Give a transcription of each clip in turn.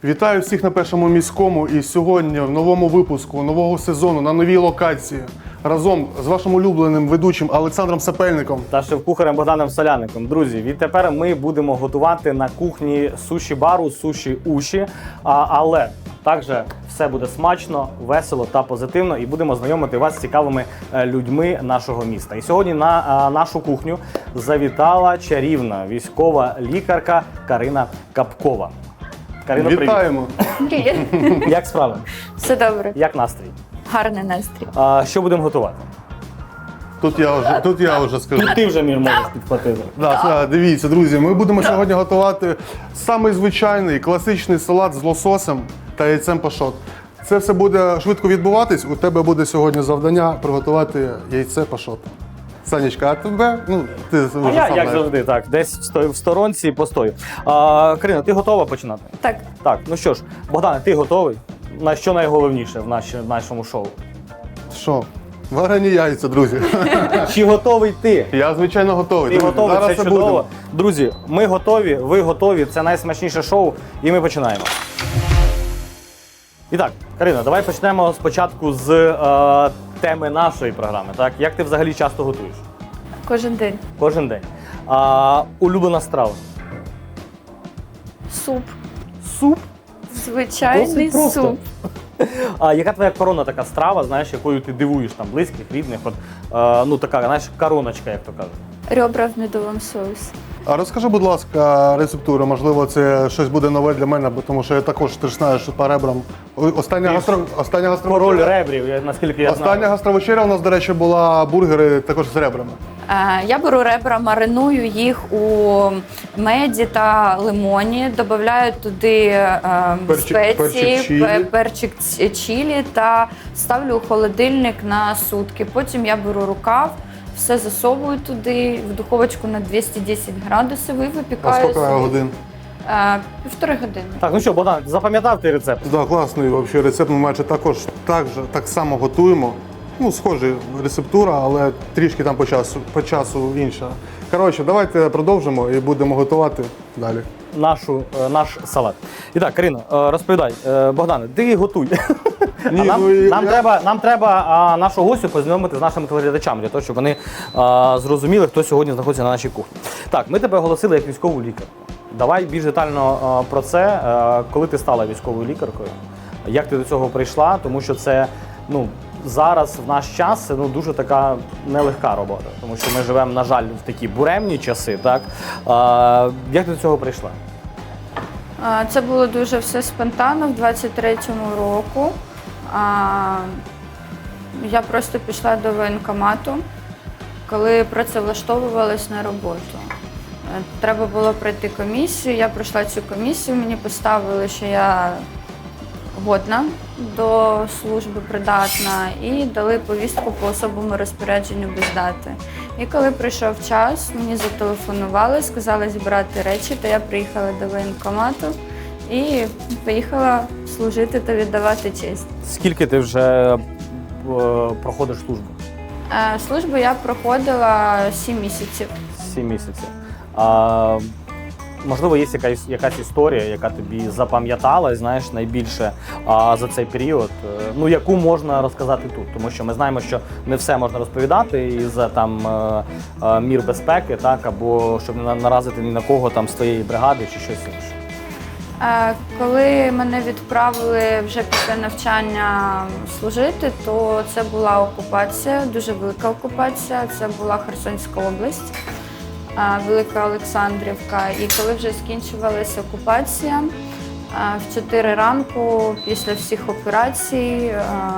Вітаю всіх на Першому міському і сьогодні в новому випуску нового сезону на новій локації разом з вашим улюбленим ведучим Олександром Сапельником та шеф-кухарем Богданом Соляником. Друзі, відтепер ми будемо готувати на кухні суші-бару, суші-уші, але також все буде смачно, весело та позитивно і будемо знайомити вас з цікавими людьми нашого міста. І сьогодні на нашу кухню завітала чарівна військова лікарка Карина Капкова. Карина, вітаємо! Привіт. Як справи? Все добре. Як настрій? Гарний настрій. Що будемо готувати? Тут я вже скажу. Ти вже можеш підхватити. Дивіться, друзі, ми будемо сьогодні готувати самий звичайний класичний салат з лососем та яйцем пашот. Це все буде швидко відбуватись. У тебе буде сьогодні завдання приготувати яйце пашот. Санечка, а тебе? Ти вже Я, сам як знаєш. завжди, так, десь в сторонці постою. Карина, ти готова починати? Так, Так, ну що ж, Богдане, ти готовий? На що найголовніше в нашому шоу? Що? Варені яйця, друзі. Чи готовий ти? Я, звичайно, готовий. Ти Друзі, готовий, зараз це це чудово. будемо. Друзі, ми готові, ви готові, це найсмачніше шоу, і ми починаємо. І так, Карина, давай почнемо спочатку з теми нашої програми. Так? Як ти взагалі часто готуєш? кожен день. Кожен день. Улюблена страва? Суп. Суп? Звичайний Досить просто. суп. Яка твоя корона така страва, знаєш, якою ти дивуєш там близьких, рідних? От, така, знаєш, короночка, як то кажуть. Ребра в медовому соусі. А розкажи, будь ласка, рецептуру. Можливо, це щось буде нове для мене, бо тому що я також, ти ж знаєш, по ребрам. Остання Король гастровечеря. ребрів, наскільки я знаю. Остання гастровечеря у нас, до речі, була бургери також з ребрами. Я беру ребра, мариную їх у меді та лимоні, додаю туди спеції, перчик чилі та ставлю у холодильник на сутки. Потім я беру рукав, все засовую туди, в духовочку на 210 градусів і А випікаю. скільки годин? 1,5 години. Так, ну що, Богдан, запам'ятав ти рецепт? Так, класний взагалі рецепт. Ми майже так само готуємо. Схожа рецептура, але трішки там по часу інша. Коротше, давайте продовжимо і будемо готувати далі. Наш салат. І так, Карина, розповідай, Богдане, ти готуй. Ні, Нам треба нашу гостю познайомити з нашими телеглядачами, для того, щоб вони зрозуміли, хто сьогодні знаходиться на нашій кухні. Так, ми тебе оголосили як військову лікарку. Давай більш детально про це, коли ти стала військовою лікаркою, як ти до цього прийшла, тому що це, зараз в наш час це дуже така нелегка робота, тому що ми живемо, на жаль, в такі буремні часи. Так? Як ти до цього прийшла? Це було дуже все спонтанно в 23-му року. Я просто пішла до воєнкомату, коли працевлаштовувалась на роботу. Треба було пройти комісію, я пройшла цю комісію, мені поставили, що я годна до служби, придатна, і дали повістку по особому розпорядженню без дати. І коли прийшов час, мені зателефонували, сказали зібрати речі, то я приїхала до воєнкомату і поїхала служити та віддавати честь. Скільки ти вже проходиш службу? Службу я проходила 7 місяців. 7 місяців. Можливо, є якась історія, яка тобі запам'яталась, знаєш, найбільше за цей період, яку можна розказати тут, тому що ми знаємо, що не все можна розповідати із мір безпеки, так, або щоб не наразити ні на кого там з твоєї бригади чи щось інше. Коли мене відправили вже після навчання служити, то це була окупація, дуже велика окупація, це була Херсонська область. Велика Олександрівка. І коли вже скінчувалася окупація, в 4 ранку після всіх операцій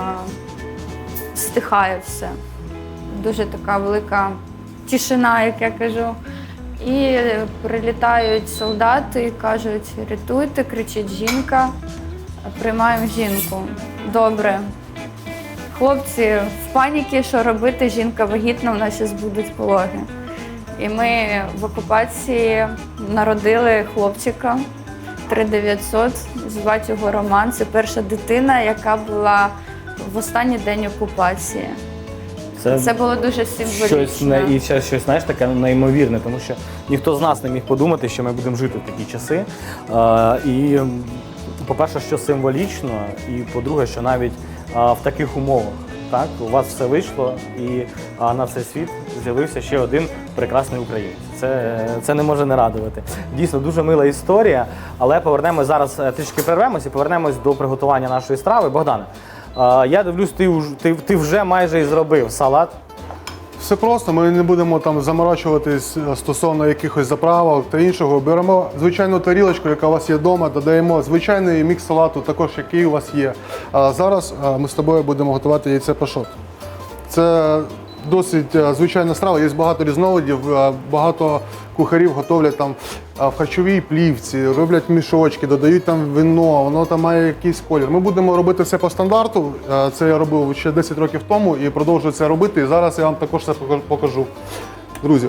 стихає все. Дуже така велика тишина, як я кажу. І прилітають солдати і кажуть: рятуйте, кричить жінка, приймаємо жінку. Добре. Хлопці в паніці, що робити, жінка вагітна, у нас зараз будуть пологи. І ми в окупації народили хлопчика 3900, звати його Роман. Це перша дитина, яка була в останній день окупації. Це було дуже символічно. І щось, знаєш, таке неймовірне, тому що ніхто з нас не міг подумати, що ми будемо жити в такі часи. І по-перше, що символічно, і по-друге, що навіть в таких умовах так, у вас все вийшло, і на цей світ з'явився ще один прекрасний українець. Це не може не радувати. Дійсно, дуже мила історія, але повернемось зараз, трішки перервемось і повернемось до приготування нашої страви. Богдане, я дивлюсь, ти вже майже і зробив салат. Все просто, ми не будемо там заморачуватись стосовно якихось заправок та іншого. Беремо звичайну тарілочку, яка у вас є вдома, додаємо звичайний мікс салату, також який у вас є. А зараз ми з тобою будемо готувати яйце пашот. Це досить звичайна страва, є багато різновидів, багато кухарів готовлять там в харчовій плівці, роблять мішочки, додають там вино, воно там має якийсь колір. Ми будемо робити все по стандарту, це я робив ще 10 років тому і продовжую це робити, і зараз я вам також це покажу. Друзі,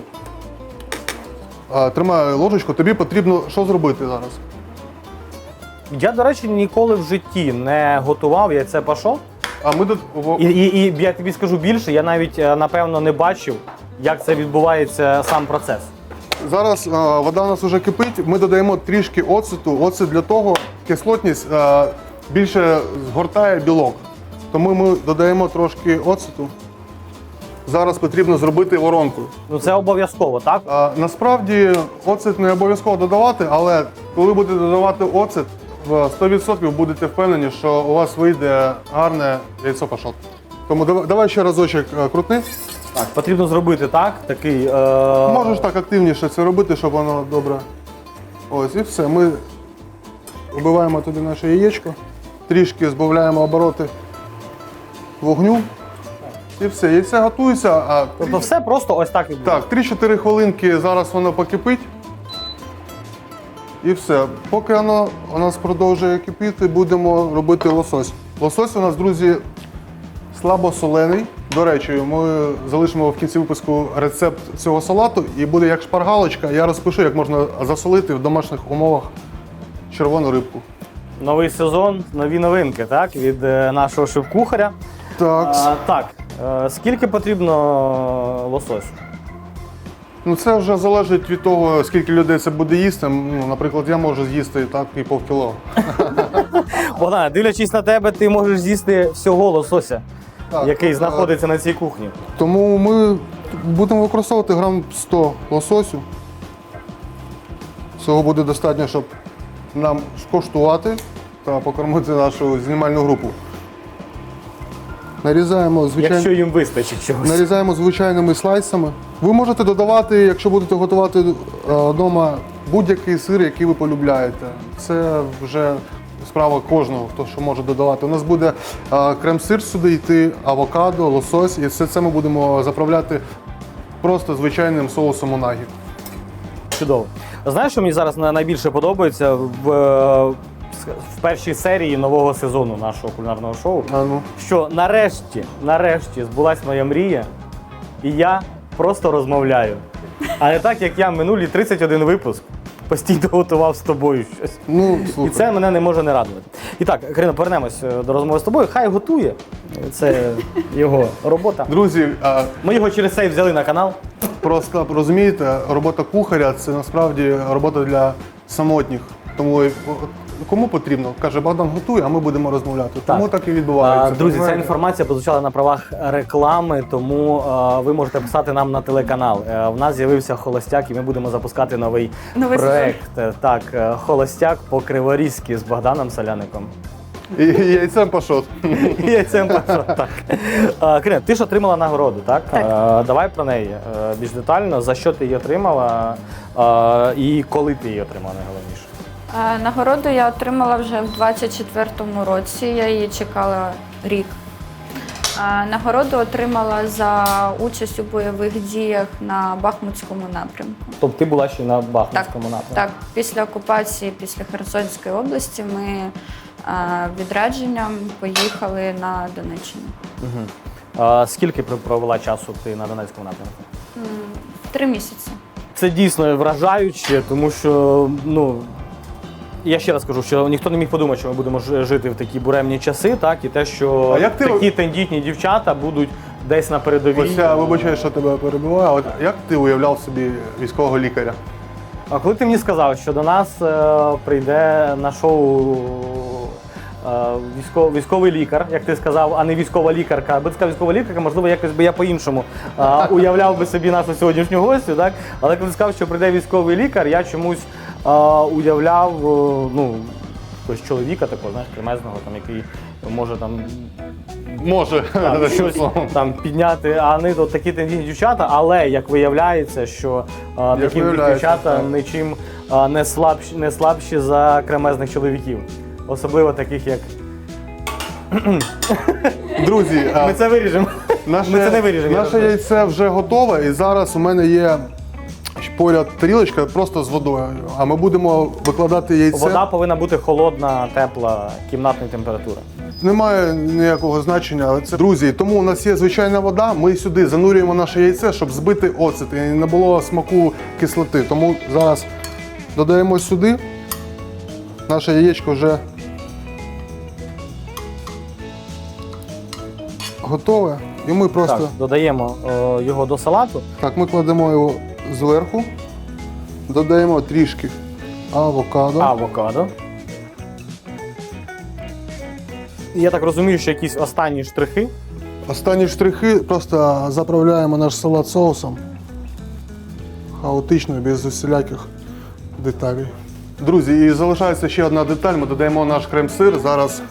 тримаю ложечку, тобі потрібно що зробити зараз? Я, до речі, ніколи в житті не готував яйце пашот. А ми тут І я тобі скажу більше, я навіть, напевно, не бачив, як це відбувається сам процес. Зараз вода у нас вже кипить, ми додаємо трішки оцету. Оцет для того, кислотність більше згортає білок. Тому ми додаємо трошки оцету. Зараз потрібно зробити воронку. Ну це обов'язково, так? Насправді оцет не обов'язково додавати, але коли будете додавати оцет, в 100% будете впевнені, що у вас вийде гарне яйцо пашот. Тому давай ще разочок крутни. Так, потрібно зробити такий. Можеш так активніше це робити, щоб воно добре. Ось і все. Ми вбиваємо туди наше яєчко, трішки збавляємо обороти вогню. І все, яйце готується. Тобто все просто ось так відбувається? Так, 3-4 хвилинки зараз воно покипить. І все. Поки воно у нас продовжує кипіти, будемо робити лосось. Лосось у нас, друзі, слабосолений. До речі, ми залишимо в кінці випуску рецепт цього салату і буде як шпаргалочка. Я розпишу, як можна засолити в домашніх умовах червону рибку. Новий сезон, нові новинки, так? Від нашого шеф-кухаря. Так. Скільки потрібно лососю? Ну, це вже залежить від того, скільки людей це буде їсти. Ну, наприклад, я можу з'їсти так і півкіло. Богдан, дивлячись на тебе, ти можеш з'їсти всього лосося, Так, який знаходиться на цій кухні. Тому ми будемо використовувати грам 100 лососю. Цього буде достатньо, щоб нам скоштувати та покормити нашу знімальну групу. Нарізаємо, Якщо їм вистачить чогось. нарізаємо звичайними слайсами. Ви можете додавати, якщо будете готувати вдома, будь-який сир, який ви полюбляєте. Це вже справа кожного, хто що може додавати. У нас буде крем-сир сюди йти, авокадо, лосось, і все це ми будемо заправляти просто звичайним соусом унагі. Чудово. Знаєш, що мені зараз найбільше подобається в першій серії нового сезону нашого кулінарного шоу? Що нарешті збулась моя мрія, і я просто розмовляю. А не так, як я минулі 31 випуск постійно готував з тобою щось. Ну, І слухай. це мене не може не радувати. І так, Карина, повернемось до розмови з тобою. Хай готує. Це його робота. Друзі, Ми його через цей взяли на канал. просто розумієте, робота кухаря – це насправді робота для самотніх. Тому кому потрібно? Каже, Богдан готує, а ми будемо розмовляти. Тому так і відбувається. Друзі, ця інформація прозвучала на правах реклами, тому ви можете писати нам на телеканал. В нас з'явився холостяк, і ми будемо запускати новий проект. Так, холостяк по-криворізьки з Богданом Соляником. І яйцем пашот. І яйцем пашот, так. Карина, ти ж отримала нагороду, так? Давай про неї більш детально. За що ти її отримала і коли ти її отримала, найголовніше? Нагороду я отримала вже в 24-му році, я її чекала рік. Нагороду отримала за участь у бойових діях на Бахмутському напрямку. Тобто ти була ще на Бахмутському напрямку? Так, після окупації, після Херсонської області ми відрядженням поїхали на Донеччину. Скільки провела часу ти на Донецькому напрямку? 3 місяці. Це дійсно вражаюче, тому що, я ще раз кажу, що ніхто не міг подумати, що ми будемо жити в такі буремні часи, так, і те, що такі тендітні дівчата будуть десь на передовій. Ось я вибачаю, що тебе перебиваю. От як ти уявляв собі військового лікаря? А коли ти мені сказав, що до нас прийде на шоу військовий лікар, як ти сказав, а не військова лікарка. Аби ти сказав військова лікарка, можливо, якось би я по-іншому уявляв би собі нашу сьогоднішню гостю, так? Але коли ти сказав, що прийде військовий лікар, я чомусь уявляв, ну, якогось чоловіка такого, знаєш, кремезного, там, який може там Може. щось там підняти, а не от такі тендітні дівчата, але як виявляється, що такі дівчата так. нічим не слабші за кремезних чоловіків. Особливо таких, як... Друзі, Ми це виріжемо. Ми це не виріжемо. Наше яйце вже готове, і зараз у мене є поряд тарілочка просто з водою. А ми будемо викладати яйце. Вода повинна бути холодна, тепла, кімнатної температури. Немає ніякого значення, але це друзі. Тому у нас є звичайна вода. Ми сюди занурюємо наше яйце, щоб збити оцет і не було смаку кислоти. Тому зараз додаємо сюди. Наше яєчко вже готове. І ми просто Так, додаємо його до салату. так, ми кладемо його зверху, додаємо трішки авокадо. Авокадо. І я так розумію, що якісь останні штрихи. Останні штрихи просто заправляємо наш салат соусом. Хаотично, без усіляких деталей. Друзі, і залишається ще одна деталь. Ми додаємо наш крем-сир. Зараз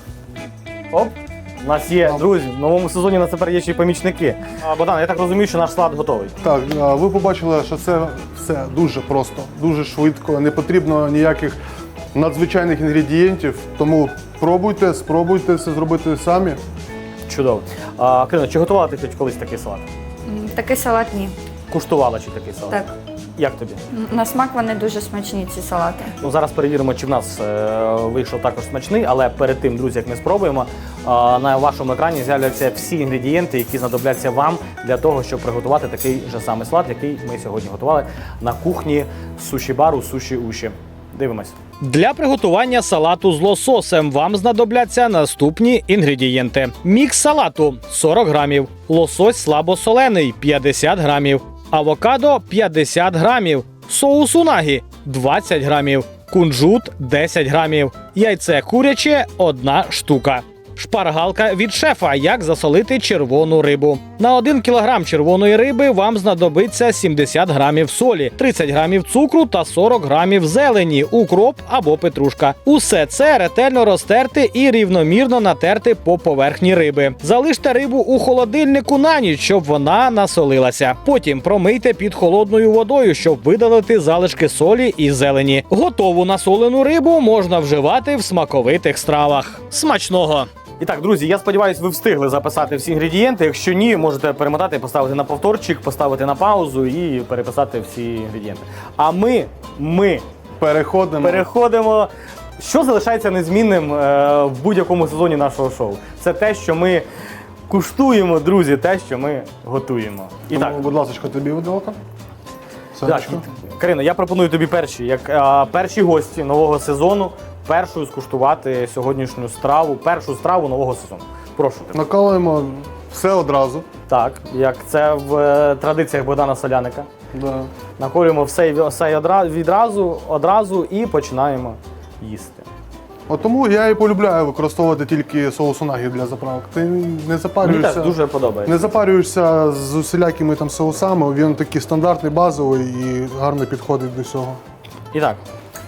Оп! У нас є, друзі, в новому сезоні у нас тепер є ще й помічники. Богдан, я так розумію, що наш салат готовий. так, ви побачили, що це все дуже просто, дуже швидко. Не потрібно ніяких надзвичайних інгредієнтів. Тому пробуйте, спробуйте це зробити самі. Чудово. Крино, чи готувала ти хоч колись такий салат? Такий салат ні. Куштувала чи такий салат? Так. Як тобі? На смак вони дуже смачні, ці салати. Ну, зараз перевіримо, чи в нас вийшов також смачний, але перед тим, друзі, як ми спробуємо, на вашому екрані з'являться всі інгредієнти, які знадобляться вам для того, щоб приготувати такий же самий салат, який ми сьогодні готували на кухні суші-бару Суші Уші. Дивимось. Для приготування салату з лососем вам знадобляться наступні інгредієнти. Мікс салату 40 грамів, лосось слабосолений 50 грамів, авокадо 50 грамів, соус унагі 20 грамів, кунжут 10 грамів, яйце куряче 1 штука. Шпаргалка від шефа, як засолити червону рибу. На 1 кг червоної риби вам знадобиться 70 грамів солі, 30 грамів цукру та 40 грамів зелені, укроп або петрушка. Усе це ретельно розтерти і рівномірно натерти по поверхні риби. Залиште рибу у холодильнику на ніч, щоб вона насолилася. Потім промийте під холодною водою, щоб видалити залишки солі і зелені. Готову насолену рибу можна вживати в смаковитих стравах. Смачного! І так, друзі, я сподіваюся, ви встигли записати всі інгредієнти. Якщо ні, можете перемотати, поставити на повторчик, поставити на паузу і переписати всі інгредієнти. А ми переходимо. Що залишається незмінним в будь-якому сезоні нашого шоу? Це те, що ми куштуємо, друзі, те, що ми готуємо. І Тому, так, будь ласка, тобі виделка. так, Карина, я пропоную тобі перші гості нового сезону першою скуштувати сьогоднішню страву, першу страву нового сезону. Прошу тебе. Накалуємо все одразу. Так, як це в традиціях Богдана Соляника. Да. Наколюємо все одразу і починаємо їсти. От тому я і полюбляю використовувати тільки соус унагі для заправок. Ти не Мені запарюєшся. теж дуже подобається. Не запарюєшся з усілякими там соусами, він такий стандартний, базовий і гарно підходить до всього. І так.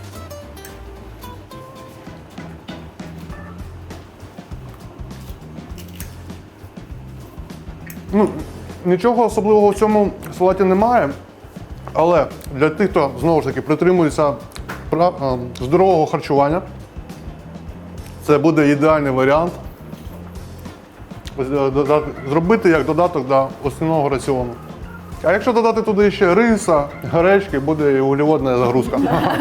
Ну, нічого особливого в цьому салаті немає, але для тих, хто знову ж таки притримується здорового харчування, це буде ідеальний варіант зробити як додаток до основного раціону. А якщо додати туди ще риса, гречки, буде і вуглеводна загрузка.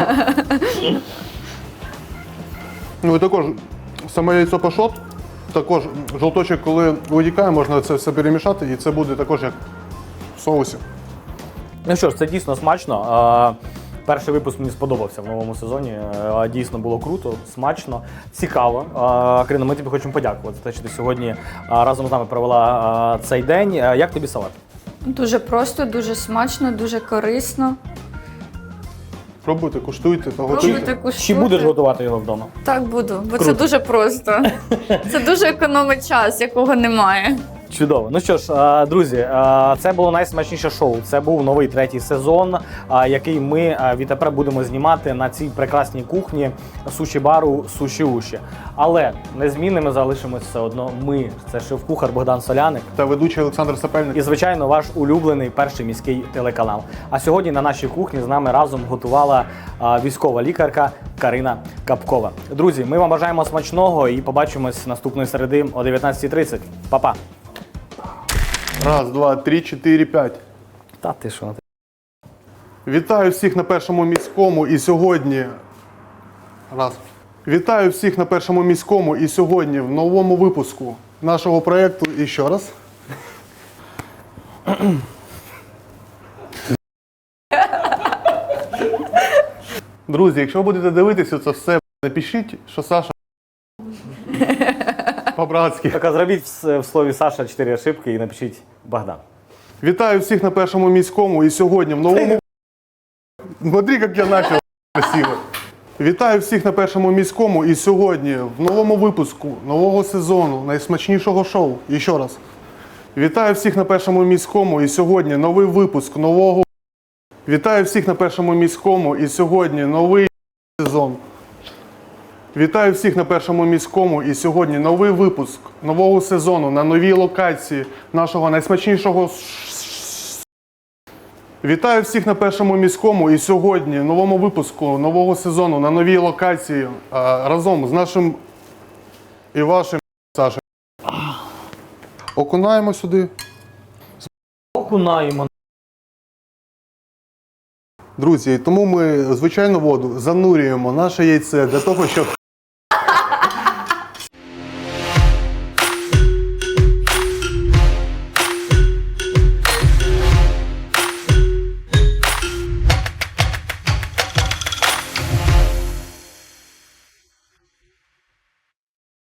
Ну і також саме яйцо пашот, також жовточок, коли витікає, можна це все перемішати, і це буде також як в соусі. Ну що ж, це дійсно смачно. Перший випуск мені сподобався в новому сезоні. Дійсно було круто, смачно, цікаво. Карина, ми тобі хочемо подякувати за те, що ти сьогодні разом з нами провела цей день. Як тобі салат? Дуже просто, дуже смачно, дуже корисно. Пробуйте, куштуйте та Пробуйте, готуйте. куштуйте. Чи будеш готувати його вдома? Так буду, бо це Круто. дуже просто. Це дуже економить час, якого немає. Чудово. Ну що ж, друзі, це було найсмачніше шоу. Це був новий 3-й сезон, який ми відтепер будемо знімати на цій прекрасній кухні суші-бару Суші Уші. Але незмінними залишимось все одно ми. Це шеф-кухар Богдан Соляник. Та ведучий Олександр Сапельник. І, звичайно, ваш улюблений перший міський телеканал. А сьогодні на нашій кухні з нами разом готувала військова лікарка Карина Капкова. Друзі, ми вам бажаємо смачного і побачимось наступної середи о 19:30. Па-па! Раз, два, три, чотири, п'ять. Та ти що? Вітаю всіх на першому міському і сьогодні. Раз. Вітаю всіх на першому міському і сьогодні в новому випуску нашого проєкту. І ще раз. Друзі, якщо будете дивитися це все, напишіть, що Саша по-братськи. Так, а зробіть в слові Саша 4 ошибки і напишіть Богдан. Вітаю всіх на першому міському і сьогодні в новому. Смотри, як я почав красиво. Вітаю всіх на першому міському і сьогодні в новому випуску нового сезону найсмачнішого шоу. І ще раз. Вітаю всіх на першому міському і сьогодні новий випуск нового. Вітаю всіх на першому міському і сьогодні новий сезон. Вітаю всіх на першому міському і сьогодні новий випуск нового сезону на новій локації нашого найсмачнішого. Вітаю всіх на першому міському і сьогодні новому випуску нового сезону на новій локації разом з нашим і вашим Сашею. Окунаємо сюди. Окунаємо. Друзі, тому ми звичайну воду занурюємо наше яйце для того, щоб